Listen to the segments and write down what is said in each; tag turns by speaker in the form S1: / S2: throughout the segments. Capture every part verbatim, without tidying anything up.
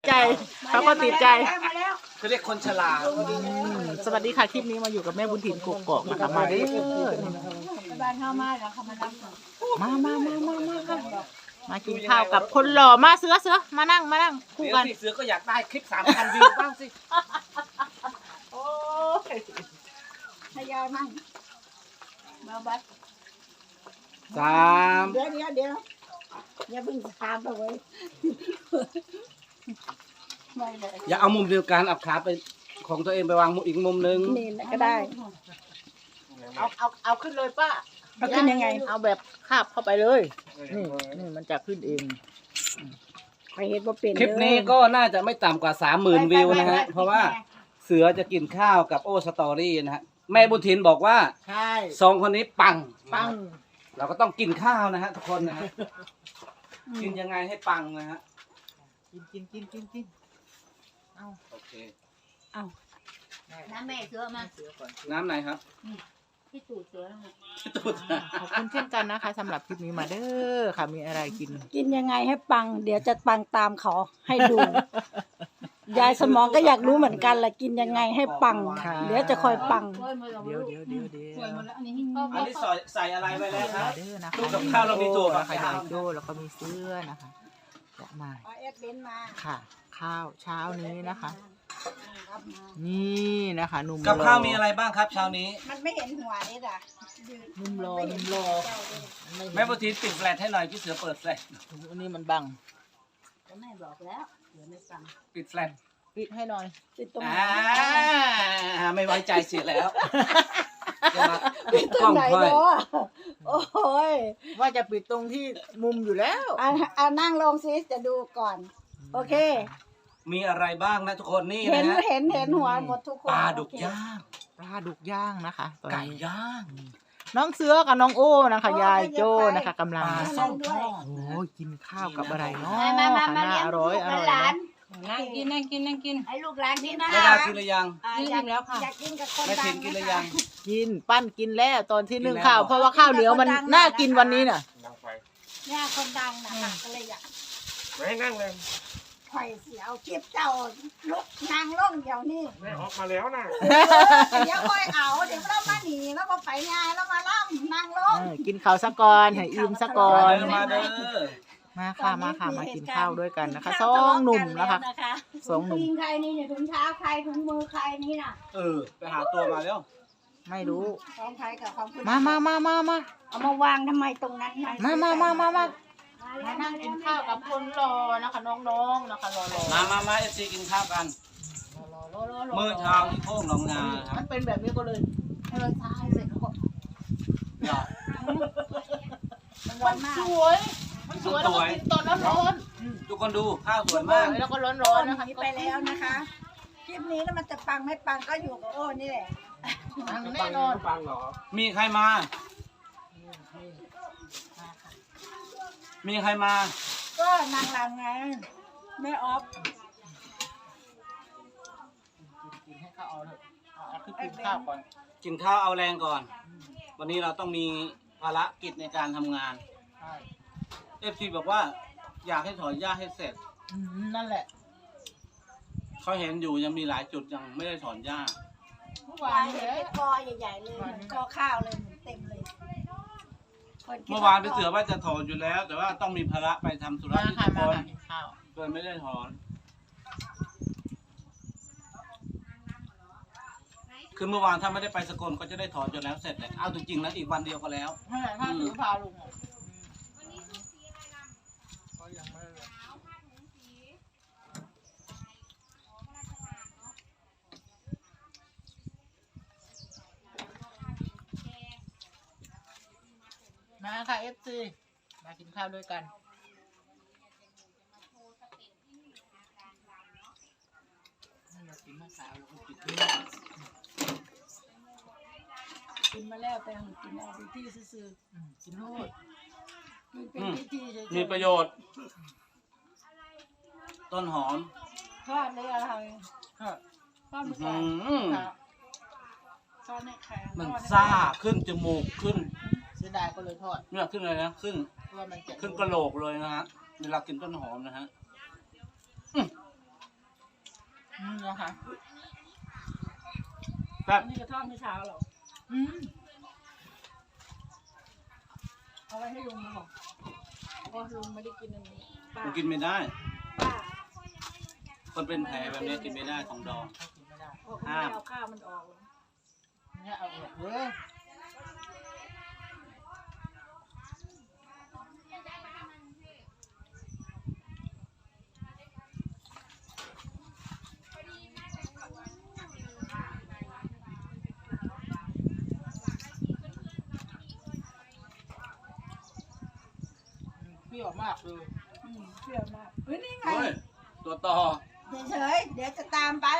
S1: ใจเขาก็ติดใจ
S2: เขาเรียกคนฉลาด
S1: สวัสดีค่ะคลิปนี้มาอยู่กับแม่บุญถิ่นกกอกนะคะมาเด้อ
S3: บ้านเข้ามาแล้วเขามานั่ง
S1: มามามามามาค่ะมากินข้าวกับคนหล่อมาเสือเสือมานั่งมานั่งคู่กัน
S2: เสือก็อยากได้คลิปสามพันวิวบ้างสิ
S1: โอ้ย
S3: ทยอยมั่งมาบัด
S2: สาม
S3: เดี๋ยวเดี๋ยวเดี๋ยวอย่าเพิ่งถามไปเว้ยไม่เลย
S2: อย่าเอามุมเดียวกันเอาขาไปของตัวเองไปวางมุมอีกมุมนึง
S3: นี่ก็ได้
S1: เอาเอาเอาขึ้นเลยป้า
S3: เอาขึ้นยังไง
S1: เอาแบบคาบเข้าไปเลยนี่นี่มันจะขึ้นเอง
S3: ไปเห็นว่าเป็น
S2: คลิปนี้ก็น่าจะไม่ต่ำกว่าสามหมื่นวิวนะฮะเพราะว่าเสือจะกินข้าวกับโอสตอรี่นะฮะแม่บุญถิ่นบอกว่า
S1: ใช่
S2: สองคนนี้ปัง
S1: ปัง
S2: เราก็ต้องกินข้าวนะฮะทุกคนนะฮะกินยังไงให้ปังนะฮะ
S1: กินกินกินกินกินเอา
S2: โอเค
S3: เอาน้ำแม่เสือมา
S2: น้ำไหนครับ
S3: ที่ตูดเสือ
S2: ที่ตูด
S1: ขอบคุณเช่นกันนะคะสำหรับคลิปนี้มาเด้อค่ะมีอะไรกิน
S3: กินยังไงให้ปังเดี๋ยวจะปังตามเขาให้ดูยายสมองก็อยากรู้เหมือนกันแหละกินยังไงให้ปังเดี๋ยวจะคอยปัง
S1: เดี๋ยวเดี๋ยวเดี๋ยวเดี๋ยว
S2: อันนี้ใส่ใส่อะไรไปแล้วครับ
S1: เด้อนะคะ
S2: ตู้กับข้าวเรามีตัว
S1: ค่ะยายโจ้แล้วก็มีเสื้อนะคะจะมาค่ะข้าวเช้านี้นะคะนี่นะคะหนุ่ม
S2: กับข้าวมีอะไรบ้างครับเช้านี้
S3: มันไม่เห็นหัวนี่อ่ะ
S1: นุ่มรอนุ่มรอ
S2: แม่บุญถิ่นปิดแฟลชให้หน่อยพี่เสือเปิดแฟลช
S1: อันนี้มันบัง
S3: ก็แม่บอกแล้วเดี๋ยวไม่ฟัง
S2: ปิดแฟลช
S1: ปิดให้หน่อย
S3: ปิดตรงไหน
S2: ไม่ไว้ใจเสียแล้ว
S3: ปิดตรงไหนเนาะโอ้ย
S1: ว่าจะปิดตรงที่มุมอยู่แล้ว
S3: อ่ะอ่ะนั่งลงซิจะดูก่อนโอเค
S2: มีอะไรบ้างนะทุกคนนี่นะ
S3: เห็นเห็นเห็นหัวหมดทุกคน
S2: ปลาดุกย่าง
S1: ปลาดุกย่างนะคะ
S2: ไก่ย่าง
S1: น้องเสือกับน้องโอ้นะคะยายโจ้นะคะกำลัง
S2: ส้มทอด
S1: โอ้ยกินข้าวกับอะไรเนาะน่าอร่อยอร่อย
S3: นั่งกินนั่งกินนั่งกินให้ลูกหลานกินนะ
S2: ไม่ได้กินหรือยัง
S3: กินแล้วค่ะอยากกินกับคน
S2: ดังไม่กินกินหรือยัง
S1: กินปั้นกินแล้วตอนที่นึ่งข้าวเพราะว่าข้าวเหนียวมันน่ากินวันนี้น่ะ
S3: เนี่ยคนดังนะคะก็เลยอยาก
S4: ไม่นั่งเลย
S3: ไข่เสียวเก็บเจ้าลุกนางล่องเดี๋ยวนี้
S4: แม่ออกมาแล้วนะ
S3: เดี๋ยวค่อยเอาเดี๋ยวเรามาหนีแล้วมาไปงานแล้วมาล่องนางล่อง
S1: กินข้าวสักก่อนให้อิ่มสักก่อน
S2: มาเด้อ
S1: มาค่ะมาค่ะมากินข้าวด้วยกันนะคะสองหนุ่มนะคะสองหนุ่ม
S3: ถุงใครนี่เนี่ยถุงเท้าใครถุงมือใครนี่น่ะ
S2: เออไปหาตัวมาแล้ว
S1: ไม่รู้
S3: ของใครกับของ
S1: มามามามามา
S3: เอามาวางทำไมตรงนั้น
S1: มามามามามามานั่งกินข้าวกับคนรอนะคะน้องๆนะคะรอ
S2: ๆมามามาเอฟซีกินข้าวกันมื้อเช้าที่โค้งหนองนาครับ
S1: มันเป็นแบบนี้ก็เลย
S3: เออใช่เสร็จแล้วก็
S1: มันสวยมันสวยแล้วก็กินตอนร้อน
S2: ทุกคนดูข้าวสวยมาก
S1: แล้วก็ร้อนๆนะคะ
S3: ไปแล้วนะคะคลิปนี้แล้วมันจะปังไม่ปังก็อยู่กับโอ้นี่แหละ
S1: แน่นอน
S4: ปังเหรอ
S2: มีใครมามีใครมา
S3: ก็นางรำไงแม่ออฟ
S1: กินให้ข้าวเอาเถอะเอาคือกินข้าวก่อน
S2: กินข้าวเอาแรงก่อนวันนี้เราต้องมีภารกิจในการทำงานเอฟซีบอกว่าอยากให้ถอนหญ้าให้เสร็จ
S1: นั่นแหละ
S2: เขาเห็นอยู่ยังมีหลายจุดยังไม่ได้ถอนหญ้า
S3: เมื่อวานเห็นเป็นกอใหญ่ๆเลยกอข้าวเลยเต็มเลย
S2: เมื่อวานไปเสือว่าจะถอนอยู่แล้วแต่ว่าต้องมีภาระไปทำธุระที่สกลเลยไม่ได้ถอนคือเมื่อวานถ้าไม่ได้ไปสกลก็จะได้ถอนจนแล้วเสร็จเลยเอาจริงๆแล้วอีกวันเดียวก็แล้ว
S1: ถ้าถือพาลุงมาค่ะเอฟซีมากินข้าวด้วยกันเรากินมาสาวเราก็กินด้วย
S3: กินมาแล้วแต่กินเอาไปที่ซื้อ
S1: กินโน่
S2: มีประโยชน์ต้นหอม
S3: ทอดเลยอะไร
S1: ทอด
S3: ทอดมันทอดในแข็ง
S2: มันซ่าขึ้นจมูกขึ้น
S1: เสียดายก็เลยทอด
S2: เนี่ยขึ้นเลยนะขึ้นขึ้นกระโหลกเลยนะฮะเวลากินต้นหอมนะฮะ
S1: นะคะ
S2: ครับ
S3: นี่กระท่อมไม่เช้าหรอ
S1: อืม
S3: เอาไว้ให้ลุงนะบอกเพราะลุงไม่ได้กินอันนี้ป้า
S2: มันกินไม่ได้
S3: ป้า
S2: คนเป็นแผลแบบนี้กินไม่ได้ของดอง
S1: เขากินไม่ได้
S3: เพราะเขาไม่เอาข้าวมันออกหรอก
S1: เนี่ยเอาออกเลย เปรี้ยวมากเลย
S3: อืมเปรี้ยวมากเฮ้ยนี่ไง
S2: เฮ้ย ตัวต่อ
S3: เฉยๆเดี๋ยวจะตามไป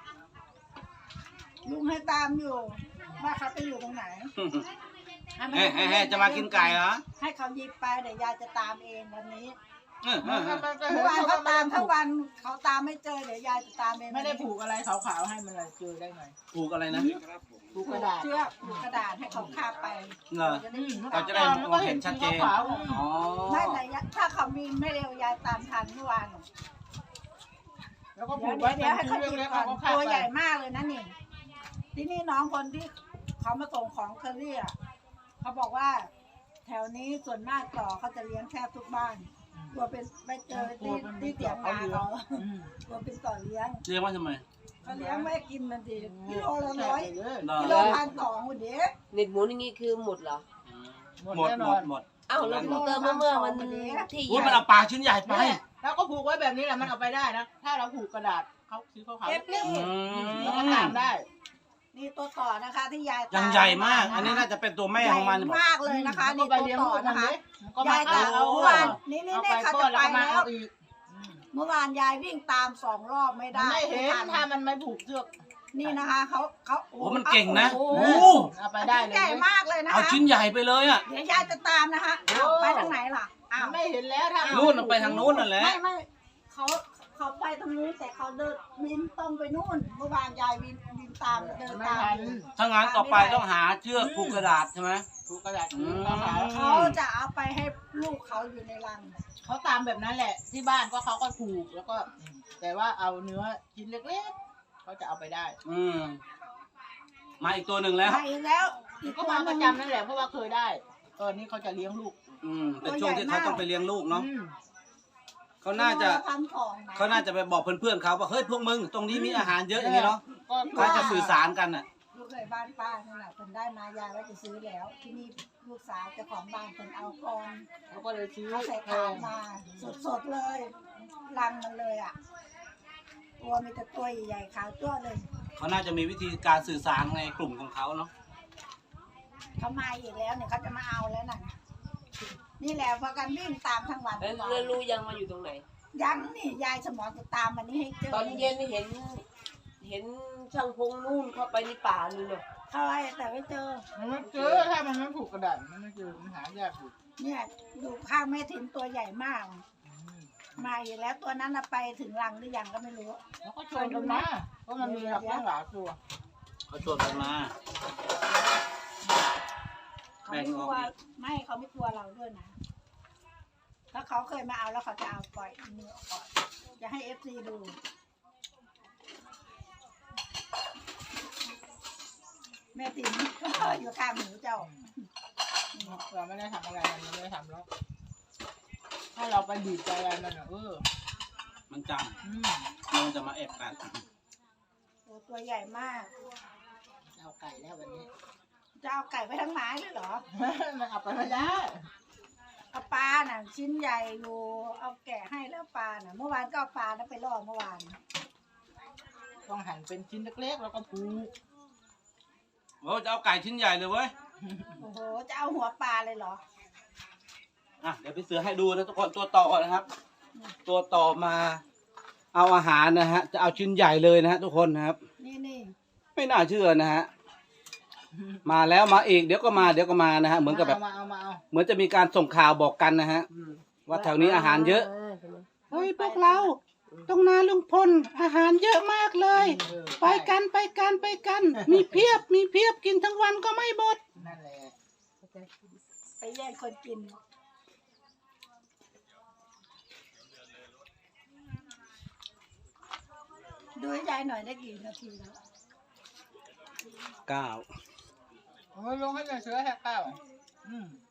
S3: ลุงให้ตามอยู่ว่าเขาไปอยู่ตรงไหนให้มัน
S2: เฮ้ยเฮ้ยเฮ้ยจะมากินไก่เหรอ
S3: ให้เขาหยิบไปเดี๋ยวยายจะตามเองวันนี้
S2: เออเออเออ
S3: เมื่อวานเขาตามทั้งวันเขาตามไม่เจอเดี๋ยวยายจะตามเอง
S1: ไม่ได้ผูกอะไรขาวๆให้มันเลยเจอได้ไง
S2: ผูกอะไรนะ
S1: ผูก
S3: ผู
S1: กระ
S3: ก
S1: ดาษ
S3: เชือกผูกกระดาษให้เขาคาบไป
S2: เหรอ
S3: จะได้
S2: เราจะได้มองเห็นชัดเจน
S1: ขาว
S2: อ๋อ
S3: ไม่แต่ถ้าเขามีไม่เร็วยายตามทันเมื่อวาน
S1: ๆแล้วก็ผู
S3: เดี๋ยว
S1: ก
S3: เดี๋
S1: ไว้
S3: ยวเดี๋ยวให้เขาหยิบ
S1: เล็กๆ
S3: ก่อน
S1: เขาคาบ
S3: ตัว
S1: ไป
S3: ใหญ่มากเลยนะนี่ที่นี่น้องคนที่เขามาส่งของเคอรี่อ่ะเขาบอกว่า แถวนี้ส่วนมากต่อเขาจะเลี้ยงแทบทุกบ้านกลัวเป็นไปเจอที่ที่เตียงนาเขา
S1: อืม
S3: กลัวเป็นต่อเลี้ยง
S2: เรียกว่าทำไม
S3: เขาเลี้ยงไม่กินมันดีกิโลละร้อย
S1: เลย
S2: เหรอ
S3: กิโลพันสองคนเดียว
S5: เน็ตหมูอย่างงี้คือหมดเหรอ
S2: หมดหมดหมด
S5: อ้าวแล้วเติมเมื่อเมื่อมันที่
S2: อุ้ย
S5: ให
S2: มัน
S5: ญ่
S2: เอาปลาชิ้นใหญ่ไป
S1: เนี่ยแล้วก็ผูกไว้แบบนี้แหละมันเอาไปได้นะ ถ้าเราผูกกระดาษเขาสีขาวๆ
S3: เอฟนี่
S2: อืม
S1: แล้วก็ตามได้
S3: นี่ตัวต่อนะคะที่ยาย
S2: ยังใหญ่มาก อันนี้น่าจะเป็นตัวแม่ของมัน
S3: ใหญ่มากเลยนะคะ
S1: ก็
S3: นี่
S1: ไป
S3: ตัว
S1: เลี้ยง
S3: ต่อ
S1: ลูกมัน
S3: นะคะ
S1: ดิมันก็มาย
S3: าย
S1: เอา
S3: จะเอาเมื่อวานนี่นี่
S1: เอา
S3: นี่
S1: ไป
S3: เขา
S1: ก้อ
S3: จะ
S1: นแล้ว
S3: ไป
S1: ก็มา
S3: แล้ว
S1: เอาอีก
S3: เมื่อวานยายวิ่งตามสองรอบไม่
S1: มัน
S3: ได้
S1: ไม่เห็น
S3: ทั
S1: ถ้ามันไม่ผูกเชือก
S3: นี่นะคะเขาเขา
S2: โอ้มันเก่งนะ
S3: โอ้
S2: โอ้
S3: โห
S1: เอาไปได้เลย
S3: ใหญ่มากเลยนะคะ
S2: เอาชิ้นใหญ่ไปเลยอ่ะ
S3: เดี๋ยวยายจะตามนะคะอ้าวไปทางไหนล่ะอ้าว
S1: มันไม่เห็นแล้วถ้า
S2: นู่นมันไปทางนู้นนั่นแหละ
S3: ไม่ไม่เขาเขาไปทางนู้นแต่เขาเดินบินตรงไปนู่นเมื่อวานยายบินบินตามเดิน
S1: ไม่
S3: ตาม
S1: ทัน
S3: อยู่
S2: ถ้างั้นต่อไปต้องหาเชือกผูกกระดาษใช่ไหม
S1: ผูกกระดาษ
S2: อืม
S1: ขาว
S3: เขาจะเอาไปให้ลูกเขาอยู่ในรัง
S1: ๆเขาตามแบบนั้นแหละ ที่บ้านก็เขาก็ผูกแล้วก็ แต่ว่าเอาเนื้อชิ้นเล็กๆเขาจะเอาไปได้
S2: อืมมาอีกตัวหนึ่งแล้ว
S3: มาอีกแล้วอีก
S1: ก็
S3: ตัว
S1: มา
S3: ห
S1: ป
S3: นึ่
S1: ระ
S3: ง
S1: จำนั่นแหละเพราะว่าเคยได้ตอนนี้เขาจะเลี้ยงลูก
S2: อืมเป็นช่วงที่เขาต้องไปเลี้ยงลูกเนาะ
S1: อืม
S2: เขาน่าจะ
S3: พันสองนะ
S2: เขาน่าจะไปบอกเพื่อนๆเขาว่าเฮ้ยพวกมึงตรงนี้มีอาหารเยอะอย่างนี้เนาะ
S1: ก็
S2: เขาจะสื่อสารกันอ่ะ
S3: ลูกเคยบ้านป้านั่นแหละคนได้มายายว่าจะซื้อแล้ว ที่นี่ลูกสาวเจ้าของบ้านคนเอากอน
S1: เขาก็เลยซื้อ
S3: เขาใส่
S1: แพ
S3: ขาง มาสดๆเลยรังมันเลยอ่ะตัวมีแต่ตัวใหญ่ๆขาวจ้วเลย
S2: เขาน่าจะมีวิธีการสื่อสารในกลุ่มของเขาเนาะ
S3: เขามาอีกแล้วเนี่ยเขาจะมาเอาแล้วน่ะนี่แหละพากันวิ่งตามทั้งวัน
S5: แล้ว
S3: ทั้ง
S5: แล้ว
S3: วัน
S5: รู้ยังมาอยู่ตรงไหน
S3: ยังนี่ยายสมอนจะตามมันนี่ให้เจอ
S5: ตอนเย็นเห็น เห็นช่างพงนู่นเข้าไปในป่านู่นเนาะ
S3: เขาไอ้แต่ไม่เจอ
S1: มันไม่เจอถ้ามันไม่ผูกกระดาษมันไม่เจอมันหายากอยู่
S3: เนี่ยดูข้างแม่ถิ่นตัวใหญ่มาก มาอีกแล้วตัวนั้นน่ะไปถึงรังหรือยังก็ไม่รู้
S1: แล้วก็ชวนกันมาเพราะมันมีหลักตั้งหลายตัว
S2: เขาชวนกันมา
S3: เขาไม่กลัวไม่เขาไม่กลัวเราด้วยนะถ้าเขาเคยมาเอาแล้วเขาจะเอาปล่อยมือออกก่อนจะให้เอฟซีดูแม่ติ๋มก็อยู่ข้างหนูเจ้า
S1: เราไม่ได้ทำอะไรมันไม่ได้ทำหรอกถ้าเราไปบีบใจอะไรมันอ่ะเออ
S2: มันจ
S1: อืม
S2: ำมันจะมาแอบกัน
S3: โอ้ตัวใหญ่มาก
S1: เอาไก่แล้ววันนี้
S3: จะเอาไก่ไปทั้งไม้เลยเหรอ
S1: มันเอาไปไม่ได้
S3: เอาปลาน่ะชิ้นใหญ่อยู่เอาแกะให้แล้วปลาน่ะเมื่อวานก็เอาปลานั้นไปล่อเมื่อวาน
S1: ต้องหั่นเป็นชิ้นเล็กๆแล้วก็ผูก
S2: โอ้จะเอาไก่ชิ้นใหญ่เลยเว้ย
S3: โอ้โหจะเอาหัวปลาเลยเหรอ
S2: อ่ะเดี๋ยวพี่เสือให้ดูนะทุกคนตัวต่อนะครับ ตัวต่อมาเอาอาหารนะฮะจะเอาชิ้นใหญ่เลยนะฮะทุกคนนะครับ
S3: นี่นี่
S2: ไม่น่าเชื่อนะฮะมาแล้วมาอีกเดี๋ยวก็มาเดี๋ยวก็มานะฮะเหมือนกับแบบ
S1: ามาเอามาเอา
S2: เหมือนจะมีการส่งข่าวบอกกันนะฮะว่าแถวนี้อาหารเยอะ
S5: ใช่ไหม
S2: เฮ้ยพวกเราตรงนาลุงพลอาหารเยอะมากเลย
S1: เออ
S2: ไปกันไปกันไปกัน มีเพียบมีเพียบกินทั้งวันก็ไม่หมด
S1: นั่นแหละ
S3: ไปแย่งคนกินดูให้ยายหน่อยได้กี่นาทีแล้ว
S2: เก้า
S1: โอ้ยลงให้เลยเสือแหกเก้าอืม